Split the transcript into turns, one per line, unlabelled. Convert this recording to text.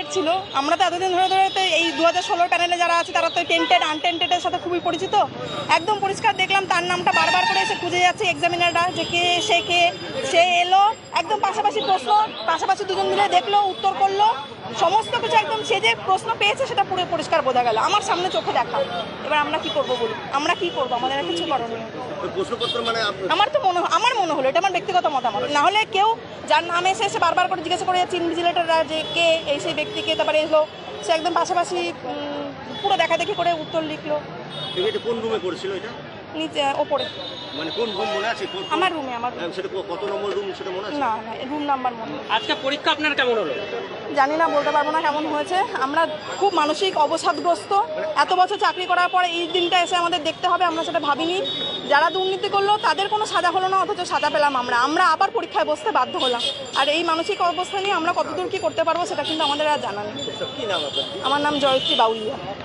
ছিল। আমরা তো এতদিন ধরে ধরে তো এই 2016 প্যানেলে যারা আছে তারা তো টেন্টেড আনটেন্টেডের সাথে খুবই পরিচিত। একদম পরিষ্কার দেখলাম তার নামটা বারবার করে এসে খুঁজে যাচ্ছে এক্সামিনাররা যে কে সে এলো, একদম পাশাপাশি প্রশ্ন, পাশাপাশি দুজন মিলে দেখলো, উত্তর করলো, সমস্ত কিছু একদম সে যে প্রশ্ন পেয়েছে সেটা পুরো পরিষ্কার বোঝা গেল আমার সামনে চোখে দেখা। এবার আমরা কি করবো বলুন, আমরা কি করবো, আমাদের আর কিছু করণীয়। আমার মনে হলো, এটা আমার ব্যক্তিগত মতামত, না হলে কেউ যার নাম এসে বারবার করে জিজ্ঞাসা করে যাচ্ছে ইনভিজিলেটররা যে কে এই সেই ব্যক্তিকে, তারপরে এলো সে একদম পাশাপাশি পুরো দেখাদেখি করে উত্তর লিখলো।
কোন রুমে পড়ছিল এটা?
নিচে ওপরে।
মানে কোন রুম মনে আছে?
আমার রুমে।
সেটা কত নম্বর রুম সেটা মনে আছে?
না রুম নাম্বার মনে নেই।
আজকে পরীক্ষা আপনার কেমন হলো?
জানি না, বলতে পারবো না কেমন হয়েছে। আমরা খুব মানসিক অবসাদগ্রস্ত। এত বছর চাকরি করার পরে এই দিনটা এসে আমাদের দেখতে হবে, আমরা সেটা ভাবিনি। যারা দুর্নীতি করলো তাদের কোনো সাজা হলো না, অথচ সাজা পেলাম আমরা আবার পরীক্ষায় বসতে বাধ্য হলাম। আর এই মানসিক অবস্থা নিয়ে আমরা কতদূর কী করতে পারবো সেটা কিন্তু আমাদের আর জানা নেই।
কি নাম আপনার?
আমার নাম জয়ত্রী বাউলিয়া।